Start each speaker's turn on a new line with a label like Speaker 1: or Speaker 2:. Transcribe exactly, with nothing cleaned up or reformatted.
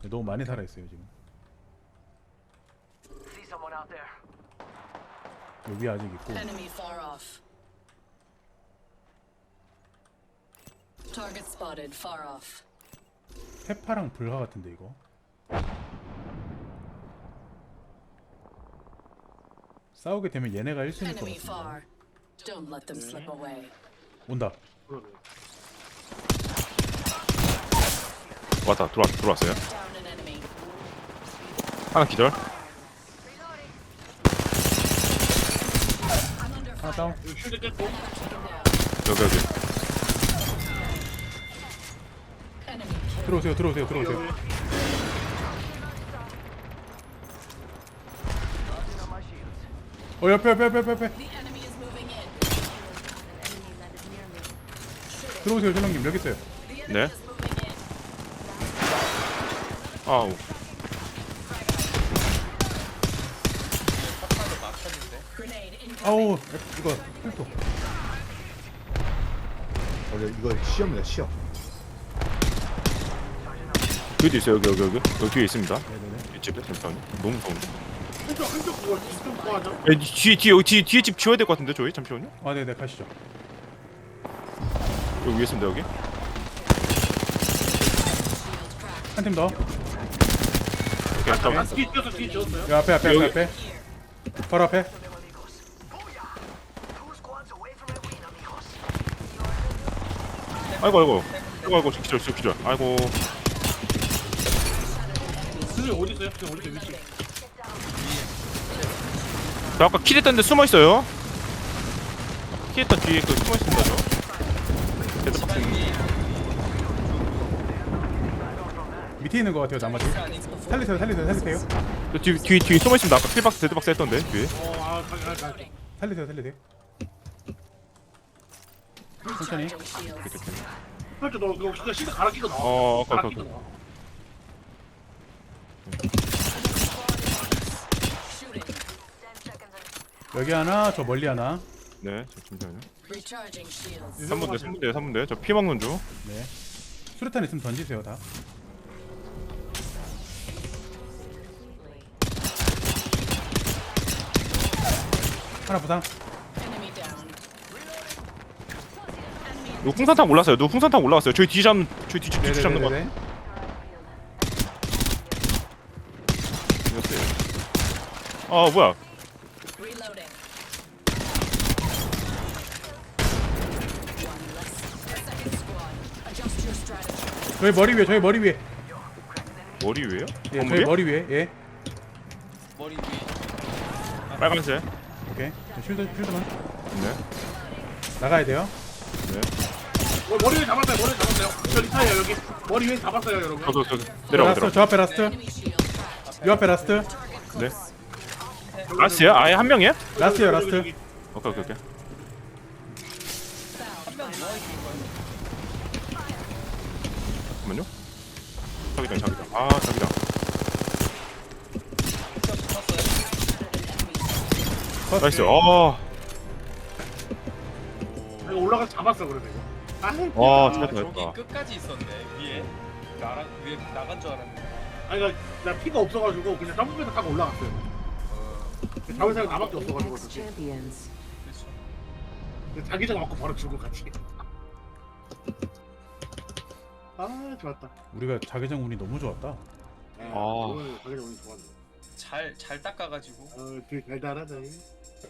Speaker 1: 너무 많이 살아있어요 지금.
Speaker 2: See someone out there.
Speaker 1: 여기 아직 있고.
Speaker 3: Enemy far off. Target spotted far off.
Speaker 1: 페파랑 불화 같은데 이거. 싸우게 되면 얘네가 일 순위일 것
Speaker 3: Enemy
Speaker 1: 같은데.
Speaker 3: far. Don't let them slip away.
Speaker 1: 온다.
Speaker 4: 그러네.
Speaker 5: 왔다 들어왔 들어왔어요.
Speaker 3: Down an enemy.
Speaker 5: 하나 기절.
Speaker 3: I'm under
Speaker 1: 하나
Speaker 3: fire.
Speaker 1: 다운.
Speaker 4: 여기 쉴드 깼고.
Speaker 3: Taken down.
Speaker 5: 여기 여기.
Speaker 3: Enemy kill.
Speaker 1: 들어오세요 들어오세요 들어오세요.
Speaker 4: 여기.
Speaker 1: 어 옆에 옆에 옆에 옆에.
Speaker 3: The enemy is moving in.
Speaker 1: 들어오세요 전령님 여기 있어요.
Speaker 3: The enemy
Speaker 5: 네.
Speaker 3: is moving in.
Speaker 5: 아우.
Speaker 3: Grenade incoming.
Speaker 1: 아우 이거 헬토.
Speaker 6: 어, 이거 시험이다 시험.
Speaker 5: 뒤에도 있어요. 여기 여기 여기 여기 뒤에 있습니다.
Speaker 1: 네네네.
Speaker 5: 이 집에 잠깐만요. 너무 무서운데.
Speaker 4: 한쪽 한쪽 그거 지금 그거 하자.
Speaker 5: 에, 뒤에 뒤에 여기 뒤에 뒤에 집 지워야 될 것 같은데 저희 잠시만요.
Speaker 1: 아 네네 가시죠.
Speaker 5: 여기 위에 있습니다 여기.
Speaker 1: 한 팀 더.
Speaker 5: 오케이
Speaker 4: 아,
Speaker 5: 잠깐.
Speaker 4: 뒤에 뛰었어 뒤에 뛰었어요.
Speaker 1: 여기 앞에 앞에 앞에
Speaker 5: 여기.
Speaker 1: 앞에. 바로 앞에.
Speaker 2: Two squads away from my win, amigos.
Speaker 5: 아이고 아이고. 아이고 아이고 기절 기절 기절. 아이고.
Speaker 4: 선생님 어디 있어요? 선생님 어디 있어요? 위치.
Speaker 5: 저 아까 킬했던데 숨어 있어요. 킬했던 뒤에 그 숨어 있습니다 저. 데드박스.
Speaker 1: 밑에 있는 것 같아요 나머지. 살리세요 살리세요 살리세요.
Speaker 5: 저 뒤, 뒤, 뒤에 숨어 있습니다. 아까 킬박스 데드박스 했던데 뒤에.
Speaker 4: 어, 아, 가게 가게 가게.
Speaker 1: 살리세요 살리세요. 천천히.
Speaker 3: Charging shields.
Speaker 4: 그렇죠. 너 그거 진짜 시드 갈아 끼고 나와.
Speaker 5: 어, 오케이,
Speaker 4: 갈아
Speaker 5: 오케이,
Speaker 4: 끼고
Speaker 5: 오케이.
Speaker 4: 나와.
Speaker 3: Shooting.
Speaker 1: 여기 하나 저 멀리 하나.
Speaker 5: 네, 저 잠시만요.
Speaker 3: Recharging shields.
Speaker 5: 삼 분대, 삼 분대, 삼 분대. 저 피 먹는 중.
Speaker 1: 네. 수류탄 있으면 던지세요 다. 하나 부상.
Speaker 3: Enemy down.
Speaker 5: 누구 풍산탕 올랐어요. 누구 풍산탕 올라왔어요. 저희 뒤 잡는, 저희 뒤, 뒤 잡는 거.
Speaker 1: 네네네네.
Speaker 5: 이겼어요. 아, 뭐야?
Speaker 3: Reloading. One less. Second squad. Adjust your strategy.
Speaker 1: 저희 머리 위에 저희 머리 위에.
Speaker 5: 머리 위에요?
Speaker 1: 예,
Speaker 5: 건물
Speaker 1: 저희
Speaker 5: 위에?
Speaker 1: 머리 위에. 예.
Speaker 5: 빨간색.
Speaker 1: 오케이. 저 쉴드 쉴드만
Speaker 5: 네,
Speaker 1: 나가야 돼요.
Speaker 5: 네.
Speaker 4: 어, 머리 위에 잡았어요. 머리 위에 잡았어요. 저 리타예요 여기. 머리 위에 잡았어요 여러분.
Speaker 5: 저도, 저도.
Speaker 1: 저
Speaker 5: 내려가,
Speaker 1: 라스트
Speaker 5: 내려가.
Speaker 1: 저 앞에 라스트.
Speaker 3: Enemy shield cracked.
Speaker 1: 요 앞에 라스트.
Speaker 5: 네. 라스트야? 아예 한 명이야?
Speaker 1: 라스트요
Speaker 4: 여기,
Speaker 1: 라스트.
Speaker 4: 여기.
Speaker 5: 오케이, 오케이, 오케이. 잠깐만요. 자기장, 자기장. 아, 자기장. 나이스. 아,
Speaker 4: 이거 올라가서 잡았어 그래도 이거. 아,
Speaker 5: 와,
Speaker 7: 아,
Speaker 5: 진짜
Speaker 7: 저기
Speaker 5: 잘했다.
Speaker 7: 끝까지 있었네 위에. 나랑 위에 나간 줄 알았는데.
Speaker 4: 아니 그러니까 나 피가 없어가지고 그냥 점프해서 타고 올라갔어요. 잡을 사람 나밖에 없어가지고
Speaker 8: Next
Speaker 4: 그렇지.
Speaker 8: champions.
Speaker 7: 그렇죠.
Speaker 4: 자기장 맞고 바로 죽고 같이. 아 좋았다.
Speaker 1: 우리가 자기장 운이 너무 좋았다.
Speaker 4: 네,
Speaker 5: 아.
Speaker 4: 오늘 자기장 운이 좋았네.
Speaker 7: 잘 잘 닦아가지고.
Speaker 4: 어 되게 달달하다.